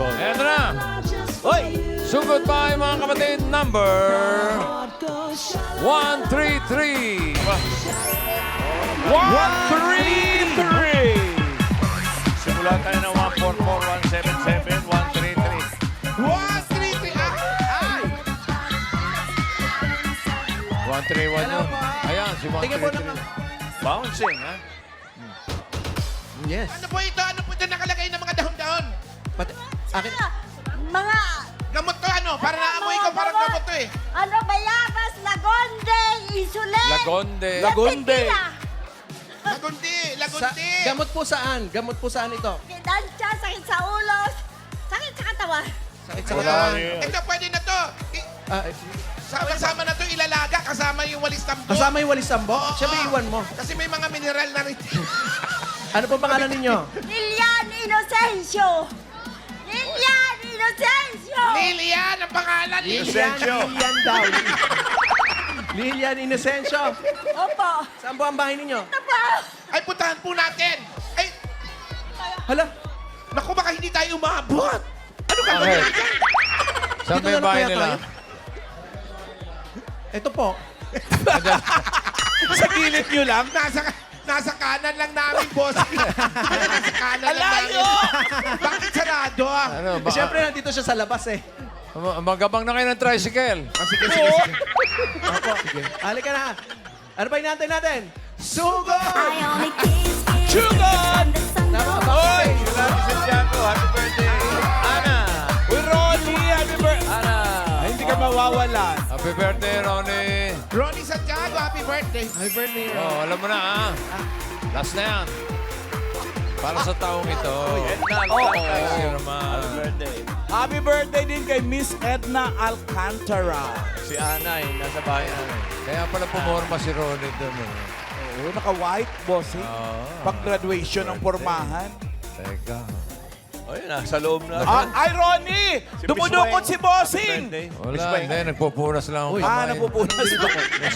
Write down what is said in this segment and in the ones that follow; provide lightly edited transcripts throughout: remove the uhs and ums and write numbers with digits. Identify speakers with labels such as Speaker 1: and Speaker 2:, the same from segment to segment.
Speaker 1: Sugod.
Speaker 2: Eto na.
Speaker 1: Hoy!
Speaker 2: Sugod tayo mga kapatid. Number 133.
Speaker 1: 133! Simula tayo ng 144, 177, 133.
Speaker 3: 133. Ay!
Speaker 2: 131 yun. Ayan, si
Speaker 4: Tingnan po naman.
Speaker 2: 133.
Speaker 1: Bouncing, ha?
Speaker 4: Yes.
Speaker 3: Ano po ito? Ano po ito nakalagay ng mga dahon-dahon?
Speaker 4: Pati, akin,
Speaker 5: Mga...
Speaker 3: Gamot to ano? Para naamoy ko, parang gamot to eh.
Speaker 5: Ano, bayabas, lagonde, insulin.
Speaker 2: Lagonde.
Speaker 1: Lagonde.
Speaker 3: Lagundi,
Speaker 4: sa,
Speaker 3: lagundi.
Speaker 4: gamot po saan? Gamot po saan ito?
Speaker 5: Kidansya, sakit sa ulo, sakit sa katawan.
Speaker 4: Sakit sa
Speaker 1: Wala
Speaker 4: katawan.
Speaker 1: yun.
Speaker 3: Ito, pwede na to.
Speaker 4: Ah,
Speaker 3: Sama-sama na to ilalaga kasama yung walis tambo.
Speaker 4: kasama yung walis sambo?
Speaker 3: Oo.
Speaker 4: Siyempre iwan mo.
Speaker 3: Kasi may mga mineral na rin.
Speaker 4: Ano po pangalan ninyo?
Speaker 5: Lilian Inocencio. Lilian Inocencio.
Speaker 3: Lilian ang pangalan.
Speaker 1: Inocencio.
Speaker 4: Lilian daw. Lilian Inocencio.
Speaker 5: Opo.
Speaker 4: Saan po ang bahay ninyo?
Speaker 5: Ito po.
Speaker 3: Ay, puntahan po natin. Ay,
Speaker 4: Hala,
Speaker 3: naku, baka hindi tayo umabot. Ano ka ba?
Speaker 2: Okay. Saan
Speaker 4: Dito
Speaker 2: ba yung
Speaker 4: na lang
Speaker 2: bahay
Speaker 4: kaya
Speaker 2: nila?
Speaker 4: tayo? Ito po.
Speaker 1: Sa gilid nyo lang?
Speaker 3: Nasa kanan lang namin, boss. Nasa kanan lang namin.
Speaker 1: Alayo!
Speaker 3: Bakit sarado?
Speaker 2: Ano,
Speaker 4: Eh, Siyempre nandito siya sa labas eh.
Speaker 2: magabang na kayo ng tricycle.
Speaker 3: Sige, sige, sige.
Speaker 4: Opo. Halika na. Ano pa hinahantay natin? Sugo!
Speaker 1: Sugod!
Speaker 4: Tama ba?
Speaker 1: Hoy! Grabe Santiago. Happy birthday. Ana! Uy, Ronnie! Happy birthday! Ana! Ay, hindi ka mawawalan.
Speaker 2: Happy birthday, Ronnie.
Speaker 3: Ronnie Santiago, happy birthday.
Speaker 4: Happy birthday.
Speaker 2: Oh, alam mo na, ha? Last na yan. Para sa taong ito. Thank you naman.
Speaker 1: Happy birthday.
Speaker 6: Happy birthday din kay Miss Edna Alcantara.
Speaker 1: Si Ana, nasa bahay namin.
Speaker 2: Kaya pala pumorma si Ronnie doon. Eh.
Speaker 6: Oo, naka-white, bossing. Pag-graduation ng pormahan.
Speaker 2: Teka.
Speaker 1: Oh, yun, nasa loob na.
Speaker 6: Ay, Ronnie!
Speaker 1: Si
Speaker 6: Dumudukot
Speaker 1: Miss
Speaker 6: si
Speaker 1: Weng.
Speaker 6: bossing!
Speaker 1: Happy birthday.
Speaker 2: Wala,
Speaker 1: Miss Weng.
Speaker 2: hindi. Nagpupunas lang ako kamay.
Speaker 6: Napupunas ko.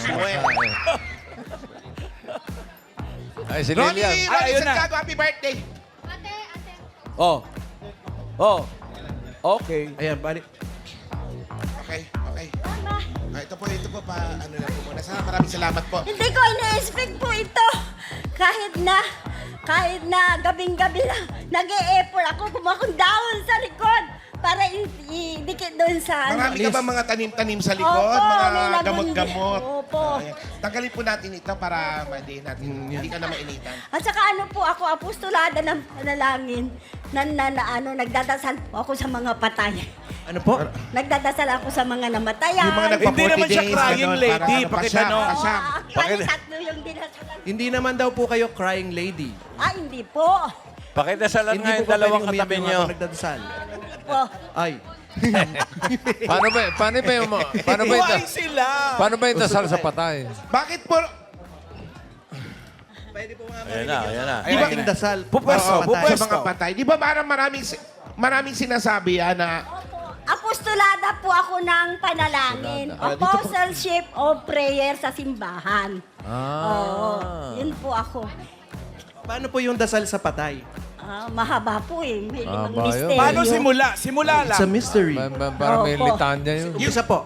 Speaker 2: Ay, si
Speaker 3: Ronnie,
Speaker 2: Lilian.
Speaker 3: Ronnie
Speaker 6: ayun na.
Speaker 3: Santiago, happy birthday.
Speaker 6: Oh. Oh. Okay.
Speaker 4: Ayan, balik.
Speaker 3: Okay, okay. Ito po pa, ano na po muna. Maraming salamat po.
Speaker 5: Hindi ko ina-expect po ito. Kahit na gabing-gabi na nag-e-effort ako, kumakong down sa likod para idikit doon sa ano.
Speaker 3: Marami ka ba mga tanim-tanim sa likod?
Speaker 5: Opo, may
Speaker 3: mga
Speaker 5: lagundi.
Speaker 3: gamot-gamot?
Speaker 5: Opo.
Speaker 3: Ayan. Tanggalin po natin ito para hindi natin, hindi ka na mainitan.
Speaker 5: At saka ano po ako, apostolada ng panalangin na nagdadasal po ako sa mga patay.
Speaker 4: Ano po?
Speaker 5: Nagdadasal ako sa mga namatayan.
Speaker 3: Yung mga
Speaker 6: Hindi
Speaker 3: nagpa-40
Speaker 6: naman siya
Speaker 3: days,
Speaker 6: crying
Speaker 3: ganon,
Speaker 6: lady,
Speaker 3: para ano,
Speaker 6: pakitano.
Speaker 5: Oo,
Speaker 3: pasyam.
Speaker 5: actually, tatlo yung dinasalan.
Speaker 4: Hindi naman daw po kayo crying lady.
Speaker 5: Hindi po.
Speaker 1: Pakidasalan
Speaker 4: Hindi
Speaker 1: nga
Speaker 4: po
Speaker 1: yung
Speaker 4: ba
Speaker 1: dalawang
Speaker 4: pwedeng umiyak
Speaker 1: katabi
Speaker 4: yung
Speaker 1: nyo.
Speaker 4: habang nagdadasal?
Speaker 5: Po.
Speaker 4: Ay.
Speaker 2: Paano ba yung
Speaker 6: Why sila?
Speaker 2: paano ba yung dasal sa patay?
Speaker 3: Bakit po?
Speaker 4: Pwede po nga
Speaker 1: Ayan na, ayan na.
Speaker 4: Di ba yung dasal?
Speaker 6: Pupwesto,
Speaker 4: para patay?
Speaker 3: Sa mga patay. Di ba parang maraming sinasabi na
Speaker 5: Apostolada po ako ng panalangin. Apostleship of prayer sa simbahan. Oo, yun po ako.
Speaker 4: Paano po yung dasal sa patay?
Speaker 5: Mahaba po eh. May limang
Speaker 2: Mahaba yun.
Speaker 5: misteryo.
Speaker 6: Paano simula? Simula
Speaker 4: It's a
Speaker 6: lang.
Speaker 4: mystery.
Speaker 2: Para may
Speaker 5: Opo.
Speaker 2: litanya yun.
Speaker 4: Isa po.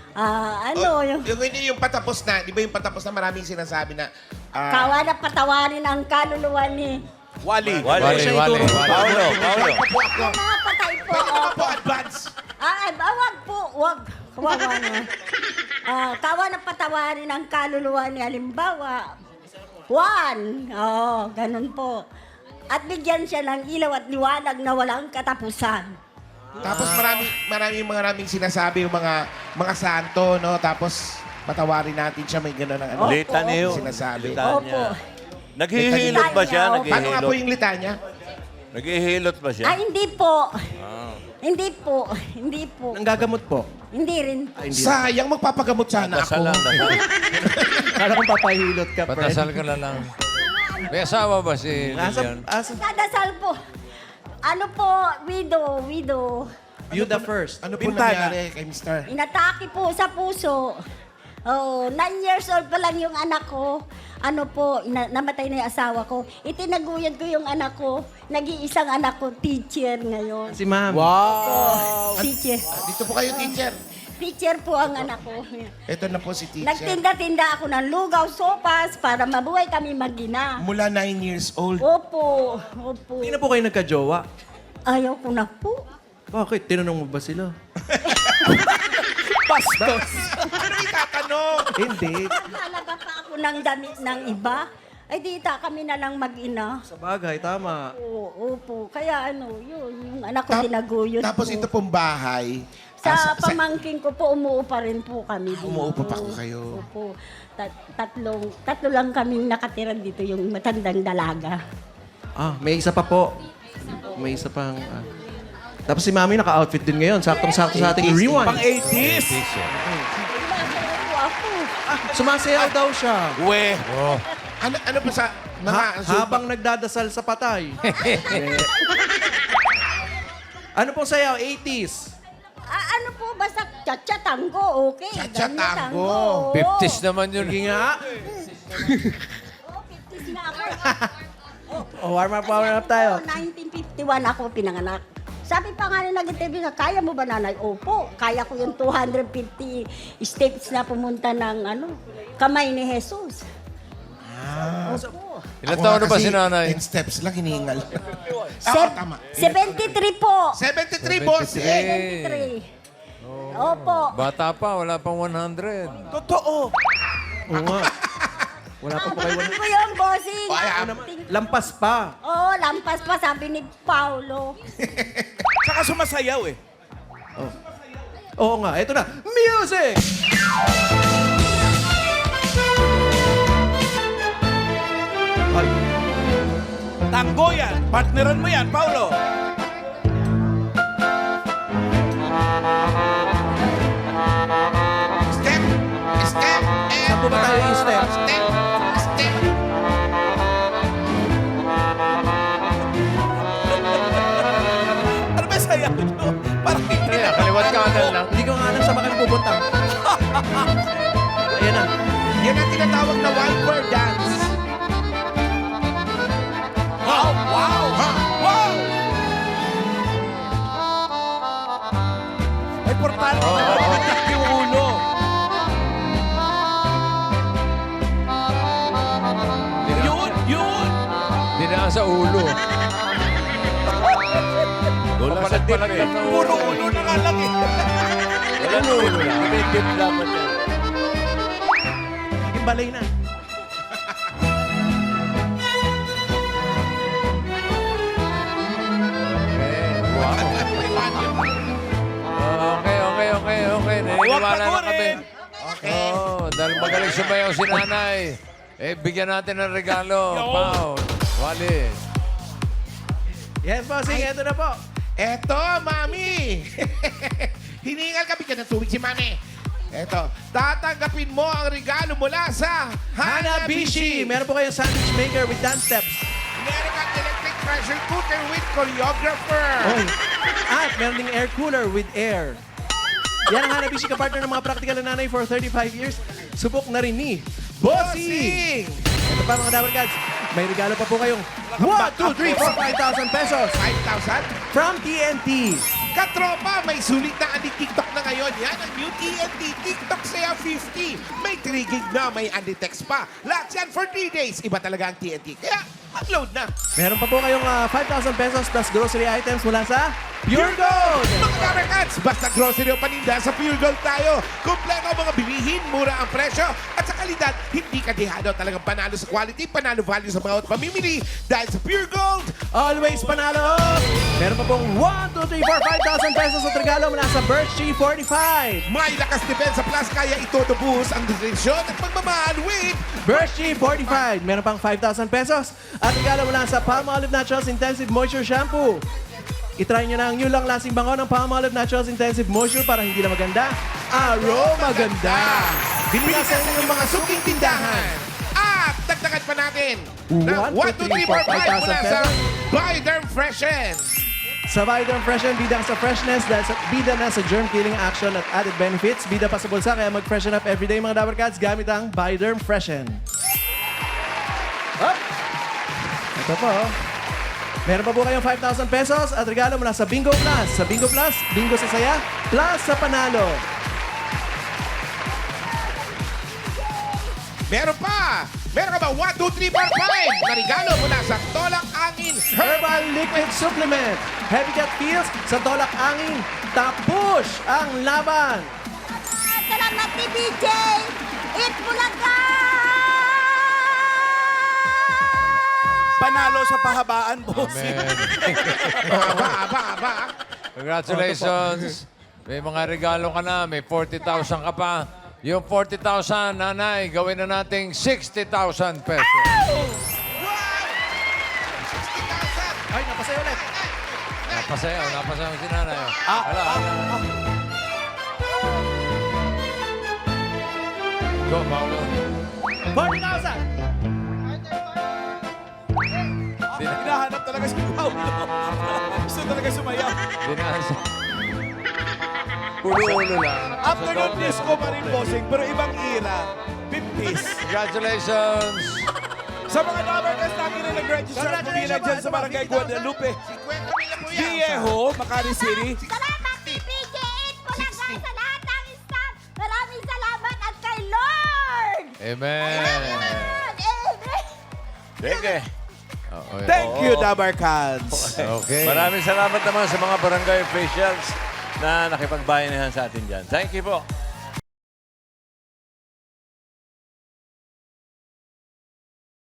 Speaker 3: yung patapos na, di ba yung patapos na maraming sinasabi na
Speaker 5: Kawa na patawarin ang kaluluwa ni...
Speaker 6: Wali.
Speaker 1: Wali.
Speaker 4: Wali.
Speaker 1: Paulo.
Speaker 3: po ako.
Speaker 5: Ang mga patay po.
Speaker 3: Pwede naman
Speaker 5: opo.
Speaker 3: po advance.
Speaker 5: Wag po, wag. Kawawa na. Kawa na patawarin ang kaluluwa ni halimbawa. Juan. Ganun po. At bigyan siya ng ilaw at liwanag na walang katapusan.
Speaker 3: Tapos maraming sinasabi yung mga santo, no? Tapos patawarin natin siya, may gano'n ang ano.
Speaker 1: Litanya yun.
Speaker 3: Sinasabi.
Speaker 5: Opo.
Speaker 1: Naghihilot ba siya?
Speaker 3: Paano nga po
Speaker 1: Naghihilot?
Speaker 3: yung litanya?
Speaker 1: Naghihilot ba siya?
Speaker 5: Hindi po. Hindi po. Hindi po.
Speaker 4: Nanggagamot po.
Speaker 5: Hindi rin po.
Speaker 3: Sayang, magpapagamot sana ako.
Speaker 1: Dasalan.
Speaker 4: Kala kong papahilot ka, friend.
Speaker 2: Patasal ka na lang. May asawa ba si Lilian?
Speaker 5: Dadasal po. Ano po, widow.
Speaker 4: You the first.
Speaker 3: Ano po
Speaker 6: Bintana.
Speaker 3: nangyari kay Mr.?
Speaker 5: Inatake po sa puso. Oh, 9 years old pa lang yung anak ko. Ano po, namatay na yung asawa ko. Itinaguyod ko yung anak ko. Nag-iisang anak ko, teacher ngayon.
Speaker 4: Si ma'am.
Speaker 6: Wow!
Speaker 5: Teacher.
Speaker 3: Dito po kayo, teacher.
Speaker 5: Teacher po ang anak ko.
Speaker 3: Ito na po si teacher.
Speaker 5: Nagtinda-tinda ako ng lugaw, sopas, para mabuhay kami mag-ina.
Speaker 3: Mula 9 years old.
Speaker 5: Opo, opo.
Speaker 4: Hindi na po kayo nagka-jowa.
Speaker 5: Ayaw ko na po.
Speaker 4: Bakit? Tinanong mo ba sila?
Speaker 6: Bastos!
Speaker 3: Ano itatanong?
Speaker 4: Hindi.
Speaker 5: Nakalaga pa ako ng damit ng iba. Ay, dita kami na lang mag-ina.
Speaker 4: Sa bagay, tama.
Speaker 5: Oo, opo. Kaya ano, yun, yung anak ko tinaguyod
Speaker 3: Tapos
Speaker 5: po.
Speaker 3: ito pong bahay.
Speaker 5: Sa pamangking ko po, umuupa rin po kami dito.
Speaker 3: Umuupa pa ko kayo.
Speaker 5: Opo. Tatlo lang kaming nakatira dito, yung matandang dalaga.
Speaker 4: Ah, may isa pa po. May isa pang... Tapos si Mami naka-outfit din ngayon. Saktong-sakto sa ating rewind.
Speaker 6: Pang 80s!
Speaker 5: Sumasayaw po ako.
Speaker 4: Sumasayaw daw siya.
Speaker 6: We!
Speaker 3: Ano pa sa mga...
Speaker 4: Habang nagdadasal sa patay. Ano pong sayaw? 80s.
Speaker 5: Ano po, basta cha-cha tango, okay.
Speaker 3: Cha-cha
Speaker 5: Ganyan,
Speaker 3: tango.
Speaker 2: 50s naman yun.
Speaker 4: Sige nga.
Speaker 5: Oo, 50s na ako.
Speaker 4: Warm up tayo.
Speaker 5: 1951 ako pinanganak. Sabi pa nga nila nag-interview na, kaya mo ba nanay? Opo, kaya ko yung 250 steps na pumunta ng kamay ni Jesus. Opo.
Speaker 2: Ilan taon na ba si nanay?
Speaker 3: 10 steps lang, hiningal. Tama.
Speaker 5: 73 po.
Speaker 3: 73, boss.
Speaker 5: 73. Opo.
Speaker 2: Bata pa, wala pang 100.
Speaker 6: Totoo!
Speaker 4: Oo nga. Wala pa po kayo.
Speaker 5: Ano ko yung bossing?
Speaker 4: Lampas pa.
Speaker 5: Oo, lampas pa, sabi ni Paulo.
Speaker 6: Tsaka sumasayaw eh.
Speaker 4: Oo nga, ito na. Music! Ay,
Speaker 6: Tango yan! Partneran mo yan, Paulo!
Speaker 3: Step, step,
Speaker 4: saan po ba tayo i-step?
Speaker 3: step, step.
Speaker 6: Ano ba sayaw nyo? Parang
Speaker 2: Kaya, kaliwat kanan lang.
Speaker 4: Hindi ko nga alam saan ba kayo pupunta. Ayan na.
Speaker 3: Yan ang tinatawag na wild bird dance.
Speaker 6: Wow! Wow! Wow! Ay, portante na nagbitik yung ulo. Yun! Yun!
Speaker 2: Dinaan sa ulo. Papalag-palag lang ng
Speaker 6: Puro
Speaker 2: ulo.
Speaker 6: ulo na nga lang eh.
Speaker 2: Wala na ulo lang. Kumikip dapat yan.
Speaker 4: Yung balay na.
Speaker 2: Okay.
Speaker 6: Huwag
Speaker 2: Naniniwala na kami.
Speaker 6: pagurin!
Speaker 3: Okay.
Speaker 2: Oo, dahil magaling sumayaw si nanay. Bigyan natin ng regalo.
Speaker 6: Yo.
Speaker 2: Pao, Wally.
Speaker 4: Yes, bossing. Ito na po.
Speaker 3: Eto, mami. Hiningal ka, bigyan ng tubig si mami. Eto, tatanggapin mo ang regalo mula sa
Speaker 4: Hanabishi. Meron po kayong sandwich maker with dance steps.
Speaker 3: Meron kang electric pressure cooker with choreographer.
Speaker 4: Oy. At meron ding air cooler with air. Yan ang Hanabishi ka-partner ng mga practical na nanay for 35 years. Subok na rin ni Bossing! Ito pa mga Dabber Gods, may regalo pa po kayong 1, 2, 3, 4, 5,000 pesos
Speaker 3: 5,000?
Speaker 4: from TNT.
Speaker 3: Katropa, may sulit na anti TikTok na ngayon. Yan ang new TNT TikTok Saya 50. May 3 gig na, may anti-text pa. Lahat yan for 3 days. Iba talaga ang TNT. Kaya, upload na.
Speaker 4: Meron pa po kayong 5,000 pesos plus grocery items mula sa Pure Gold.
Speaker 3: Mga Dabbercats, basta grocery o paninda, sa Pure Gold tayo. Kompleto ang mga bilihin, mura ang presyo, at sa kalidad, hindi ka dehado. Talagang panalo sa quality, panalo value sa bawat pamimili. Dahil sa Pure Gold,
Speaker 4: Always panalo! Meron pa pong 1, 2, 3, 4, 5,000 pesos at regalo mula sa Birch Tree 45.
Speaker 3: may lakas depensa plus kaya itutubuhos ang nutrisyon at pagmamahal with
Speaker 4: Birch Tree 45. Meron pang 5,000 pesos at regalo mula sa Palmolive Naturals Intensive Moisture Shampoo. I-try nyo na ang new long-lasting bango ng Palmolive Naturals Intensive Moisture para hindi na maganda, aroma ganda.
Speaker 3: Bili na sa inyong mga suking tindahan. At dagdagan pa natin ng 1, 2, 3, 4, 5 mula sa Buy Derm Freshen.
Speaker 4: Sa Viderm Freshen, bida sa freshness dahil sa bida na sa germ-killing action at added benefits. Bida pa sa bulsa, kaya mag-freshen up everyday mga Dabber Cats gamit ang Viderm Freshen. Up! Ito po. Meron pa po kayong 5,000 pesos at regalo mula sa Bingo Plus. Sa Bingo Plus, bingo sa saya, plus sa panalo.
Speaker 3: Meron pa! Meron ka ba 1, 2, 3, 4, 5 na regalo mula sa Tolak Angin
Speaker 4: Herbal Liquid Supplement. Heavy Cat Feels sa Tolak Angin. Tapush ang laban.
Speaker 5: Salamat ni DJ! Eat Bulaga!
Speaker 6: Panalo sa pahabaan, bossing.
Speaker 2: Amen.
Speaker 3: Aba.
Speaker 2: Congratulations. May mga regalo ka na. May 40,000 ka pa. Yung 40,000, nanay, gawin na nating 60,000 pesos.
Speaker 4: Ay, napasaya ulit.
Speaker 2: Napasayaw si nanay. Hala. Go, Paolo.
Speaker 4: 40,000!
Speaker 6: Hinahanap talaga si Paulo. Gusto talaga sumayaw.
Speaker 2: Dinasa. Ulo-ulo lang.
Speaker 6: Afternoon disco pa rin, bossing, pero ibang era. 50s.
Speaker 2: Congratulations.
Speaker 6: Sa mga Dabber Cats lagi na nag-register at pumila dyan sa Barangay Guadalupe.
Speaker 3: 50 mila po yan.
Speaker 6: Viejo, Makati City.
Speaker 5: Salamat ni PJ Eat Bulaga sa lahat ng staff. Maraming salamat at kay Lord!
Speaker 2: Amen.
Speaker 5: Amen!
Speaker 1: Sige.
Speaker 6: Thank you, Dabber Cats.
Speaker 2: Okay.
Speaker 1: Maraming salamat naman sa mga barangay officials na nakipagbayanihan sa atin dyan. Thank you po.